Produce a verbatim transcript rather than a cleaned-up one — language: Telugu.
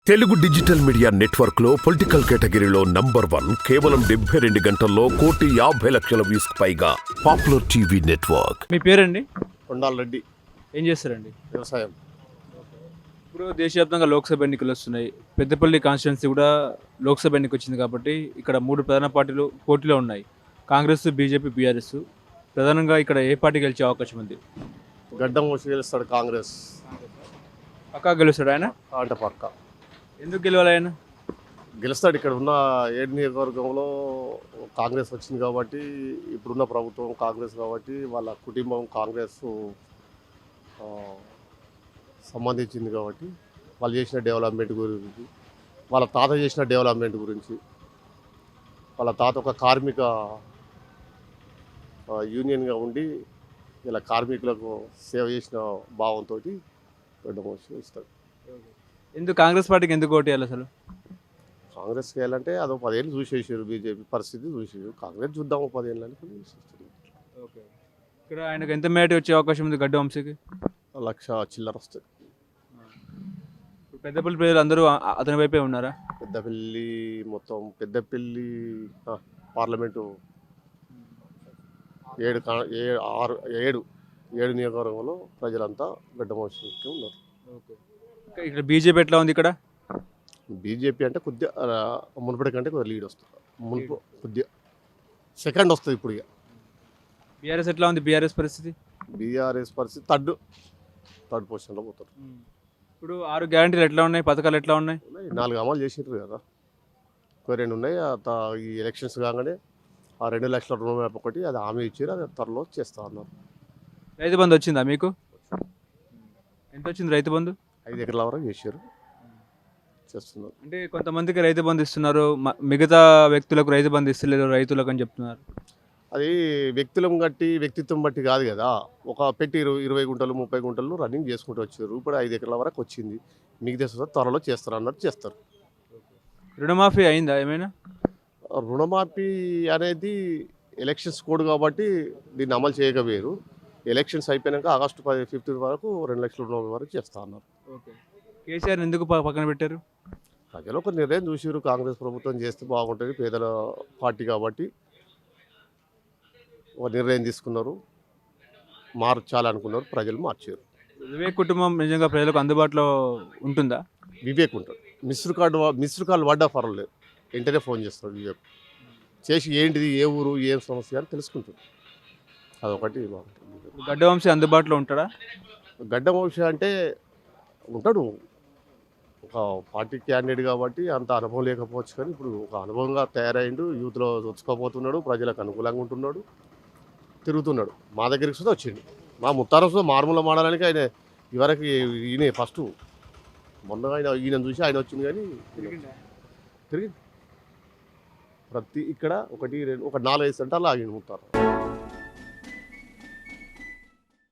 తెలుగు డిజిటల్ మీడియా నెట్వర్క్ లో పొలిటికల్ కేటగిరీలో నంబర్ వన్ కేవలం డెబ్బై రెండు గంటల్లో కోటి యాభై లక్షల వ్యూస్ పైగా పాపులర్ టీవీ నెట్వర్క్. మీ పేరండి? కొండాల రెడ్డి. ఏం చేస్తారండి? వ్యవసాయం. ఇప్పుడు దేశవ్యాప్తంగా లోక్సభ ఎన్నికలు వస్తున్నాయి. పెద్దపల్లి కాన్స్టిట్యున్సీ కూడా లోక్సభ ఎన్నిక వచ్చింది కాబట్టి ఇక్కడ మూడు ప్రధాన పార్టీలు పోటీలో ఉన్నాయి. Congress, BJP, BRS. ప్రధానంగా ఇక్కడ ఏ పార్టీ గెలిచే అవకాశం ఉంది? గడ్డం వచ్చి గెలుస్తాడు కాంగ్రెస్. పక్కా గెలుస్తాడు ఆయన? ఆట పక్క ఎందుకు గెలవాలి ఆయన? గెలుస్తాడు. ఇక్కడ ఉన్న ఏడు నియోజకవర్గంలో కాంగ్రెస్ వచ్చింది కాబట్టి, ఇప్పుడున్న ప్రభుత్వం కాంగ్రెస్ కాబట్టి వాళ్ళ కుటుంబం కాంగ్రెస్ సంబంధించింది కాబట్టి వాళ్ళు చేసిన డెవలప్మెంట్ గురించి, వాళ్ళ తాత చేసిన డెవలప్మెంట్ గురించి, వాళ్ళ తాత ఒక కార్మిక యూనియన్గా ఉండి ఇలా కార్మికులకు సేవ చేసిన భావంతో గడ్డం వచ్చి ఇస్తాడు. ఎందుకు కాంగ్రెస్ పార్టీకి ఎందుకు ఓటు వేయాలి అసలు? కాంగ్రెస్కి వెళ్ళాలంటే అదో పదేళ్ళు చూసేసారు, బీజేపీ పరిస్థితి చూసేసారు. కాంగ్రెస్ చూద్దాము పదేళ్ళు అని ఓకే. ఇక్కడ ఆయనకు ఎంత మేట వచ్చే అవకాశం ఉంది గడ్డ వంశీకి? లక్ష చిల్లర వస్తుంది. పెద్దపల్లి ప్రజలు అందరూ అతని వైపే ఉన్నారా? పెద్దపల్లి మొత్తం పెద్దపల్లి పార్లమెంటు ఏడు ఏ ఆరు ఏడు ఏడు నియోజకవర్గంలో ప్రజలంతా గడ్డ వంశీకి ఉన్నారు. ఓకే. ఇక్కడ బీజేపీ ఎట్లా ఉంది? ఇక్కడ బీజేపీ అంటే కొద్దిగా మునుపటి కంటే కొద్దిగా లీడ్ వస్తుంది. మునుపు కొద్దిగా సెకండ్ వస్తుంది ఇప్పుడు. ఇక బీఆర్ఎస్ ఎట్లా ఉంది? బీఆర్ఎస్ పరిస్థితి? బీఆర్ఎస్ పరిస్థితి థర్డ్ థర్డ్ పొజిషన్లో పోతారు. ఇప్పుడు ఆరు గ్యారంటీలు ఎట్లా ఉన్నాయి? పథకాలు ఎట్లా ఉన్నాయి? నాలుగు అమలు చేసినారు కదా, ఒక రెండు ఉన్నాయి. ఈ ఎలక్షన్స్ కాగానే ఆ రెండు లక్షల రుణమాఫీ ఒకటి అది హామీ ఇచ్చారు, అది త్వరలో చేస్తా అన్నారు. రైతు బంధు వచ్చిందా మీకు? ఎంత వచ్చింది రైతు బంధు? ఐదు ఎకరాల వరకు చేశారు, చేస్తున్నారు. అంటే కొంతమందికి రైతు బంధు ఇస్తున్నారు, మిగతా వ్యక్తులకు రైతు బంధు ఇస్తలేదు రైతులకు అని చెప్తున్నారు. అది వ్యక్తులను బట్టి వ్యక్తిత్వం బట్టి కాదు కదా. ఒక పెట్టి ఇరవై ఇరవై గుంటలు ముప్పై గుంటలు రన్నింగ్ చేసుకుంటూ వచ్చారు. ఇప్పుడు ఐదు ఎకరాల వరకు వచ్చింది, మిగతా త్వరలో చేస్తారు అన్నట్టు చేస్తారు. రుణమాఫీ అయిందా ఏమైనా? రుణమాఫీ అనేది ఎలక్షన్స్ కోడ్ కాబట్టి దీన్ని అమలు చేయకపోయారు. ఎలక్షన్స్ అయిపోయాక ఆగస్టు పది ఫిఫ్టీన్ వరకు రెండు లక్షల రుణమాఫీ వరకు చేస్తా అన్నారు. ఓకే. కేసీఆర్ ఎందుకు పక్కన పెట్టారు? ప్రజలు ఒక నిర్ణయం చూసారు, కాంగ్రెస్ ప్రభుత్వం చేస్తే బాగుంటుంది పేదల పార్టీ కాబట్టి ఒక నిర్ణయం తీసుకున్నారు, మార్చాలనుకున్నారు, ప్రజలు మార్చారు. వివేక్ కుటుంబం నిజంగా ప్రజలకు అందుబాటులో ఉంటుందా? వివేక్ ఉంటాడు. మిస్డ్ కార్డు మిస్డ్ కాల్ పడ్డా పర్వాలేదు, వెంటనే ఫోన్ చేస్తాడు వివేక్. చేసి ఏంటిది, ఏ ఊరు, ఏం సమస్య అని తెలుసుకుంటాడు. అదొకటి బాగుంటుంది. గడ్డ వంశీ అందుబాటులో ఉంటాడా? గడ్డ వంశీ అంటే ఉంటాడు, ఒక పార్టీ క్యాండిడేట్ కాబట్టి అంత అనుభవం లేకపోవచ్చు, కానీ ఇప్పుడు ఒక అనుభవంగా తయారైండు, యూత్లో వచ్చుకోపోతున్నాడు, ప్రజలకు అనుకూలంగా ఉంటున్నాడు, తిరుగుతున్నాడు. మా దగ్గరికి సుధా వచ్చిండు. మా ముత్తారం సుధా మారుమూల మాడడానికి ఆయన ఇవరకు ఈయన ఫస్ట్ మొన్న ఆయన ఈయన చూసి ఆయన వచ్చింది, కానీ తిరిగి ప్రతి ఇక్కడ ఒకటి రెండు ఒక నాలుగైదు సెంటర్లు ఆగిండు ముత్తారం.